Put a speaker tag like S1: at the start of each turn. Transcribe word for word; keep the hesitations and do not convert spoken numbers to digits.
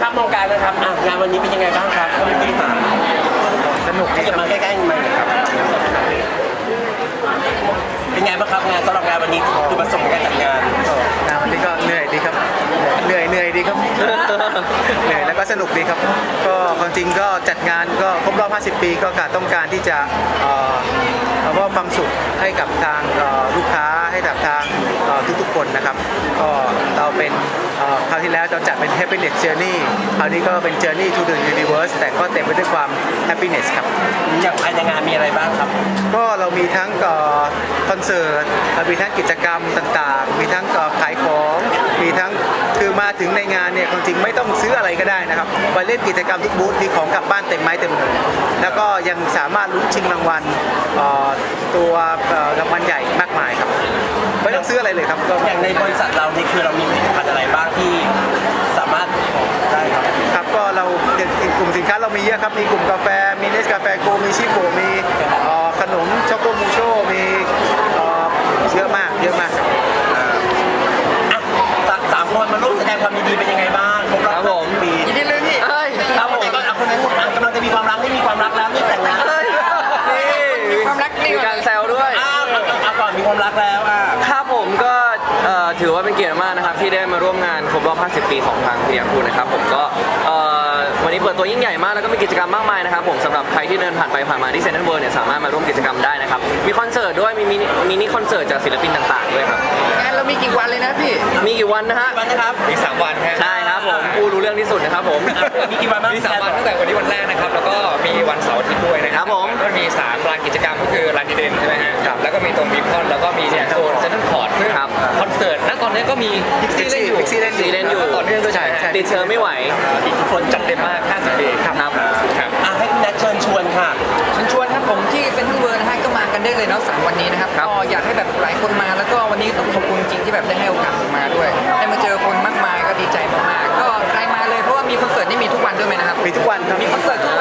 S1: ครับมองการนะครับอ่ะงานวันนี้เป็นยังไงบ้างครับท่านผู้บริหารสนุกที่จะมาใกล้ๆมาครับเป็นไงบ้างครับงานสำหรับงานวันนี้คือประสบการณ์จัดงาน
S2: งานวันนี้ก็เหนื่อยดีครับเหนื่อยเหนื่อยดีครับ เหนื่อยแล้วก็สนุกดีครับก็ความจริงก็จัดงานก็ครบรอบ ห้าสิบ ปีก็การต้องการที่จะเอ่อมอบความสุขให้กับทางเอ่อลูกค้าให้กับทางเอ่อทุกๆคนนะครับก็เราเป็นเอ่อคราวที่แล้วเราจัดเป็น happiness journey คราวนี้ก็เป็น journey to the universe แต่ก็เต็มไปด้วยความ happiness ครับ
S1: อย่างภายในงานมีอะไรบ้างครับ
S2: ก็เรามีทั้งคอนเสิร์ตมีทั้งกิจกรรมต่างๆมีทั้งขายของมีทั้งคือมาถึงในงานเนี่ยความจริงไม่ต้องซื้ออะไรก็ได้นะครับไปเล่นกิจกรรมทุกบูธมีของกลับบ้านเต็มไม้เต็มมือแล้วก็ยังสามารถลุ้นชิงรางวัลตัวรางวัลใหญ่มากมายครับไม่ต้องซื้ออะไรเลยครับ
S1: อย่างในบริษัทเรานี่คือเรามีผลิตภัณฑ์อะไรบ้างที่สามารถได้ครับ
S2: ครับก็เรากลุ่มสินค้าเรามีเยอะครับมีกลุ่มกาแฟมีเนสกาแฟโกมีชิโกมีขนมช็อกโกมูโชมีเยอะมากเยอะมาก
S1: สามคนมาร่วมแสดงความยินดีเป็นยังไงบ้างครบรอบห้าสิบปี
S2: ยินดีเลยพี่
S1: ครับผมก็คนนั้นกำลังจะมีความรักไม่มีความรักแล้วนี่แต่งงาน
S2: มีความรักมีการแซวด้วย
S1: อ้าวเอาก่อนมีความรักแล้วอ่ะ
S3: ครับผมก็ถือว่าเป็นเกียรติมากนะครับที่ได้มาร่วมงานครบรอบ ห้าสิบ ปีของทางพีอาร์คูนะครับผมก็วันนี้เปิดตัวยิ่งใหญ่มากแล้วก็มีกิจกรรมมากมายนะครับผมสำหรับใครที่เดินผ่านไปผ่านมาที่เซ็นทรัลเวิลด์เนี่ยสามารถมาร่วมกิจกรรมได้นะครับมีคอนเสิร์ตด้วยมีมินิมินิคอนเสิร์ตจากศิลปินต่างๆด้วยครับ
S2: งานเรามีกี่วันเลยนะพี่
S3: มีกี่วันนะฮะ
S1: วันนะครับ
S3: มีสามวันใช่ครับผมผู้รู้เรื่องที่สุดนะครับผม
S1: มีกี่วันบ้าง
S3: มีสามวันตั้งแต่วันนี้วันแรกนะครับแล้วก็มีวันเสาร์อาทิตย์ด้วยนะครับผมก็มีสามลานกิจกรรมก็คือลานดีเด่นใช่ไหมฮะแล้วก็มีตรงบีคอนแล้วก็มีเนี่ยโซนเซ็นทรัลคอร์ทซึ่งคอนเสิร์ตณตอนนี้ก็มีพิกซี่เล่นอยู่
S2: พิกซี่เล่นอยู่
S3: เล่นอยู่ตอนนี้ด้วยใช่ติดเชื้อไม่ไหว
S1: อิทธิพล
S3: จัดเต็มมากห้าสิบปี
S1: ครับครับอ่ะให้คุณแนทเชิญชวนค่ะ
S4: เชิญชวนครับผมที่เซ็นทรัลเวิลด์นะฮะก็มากันได้เลยเนาะสามวันนี้นะครับก็อยากให้แบบหลายคนมาแล้วก็วันนี้ต้องขอบคุณจริงที่แบบได้ให้โอกาสผมมาด้วยได้มาเจอคนมากมายก็ดีใจมากๆก็ใครมาเลยเพราะว่ามีคอนเสิร์ตนี่มีทุกวันด้วยไหมนะครับ
S2: มีทุกวันครับ
S4: มีคอนเสิร์ตทุก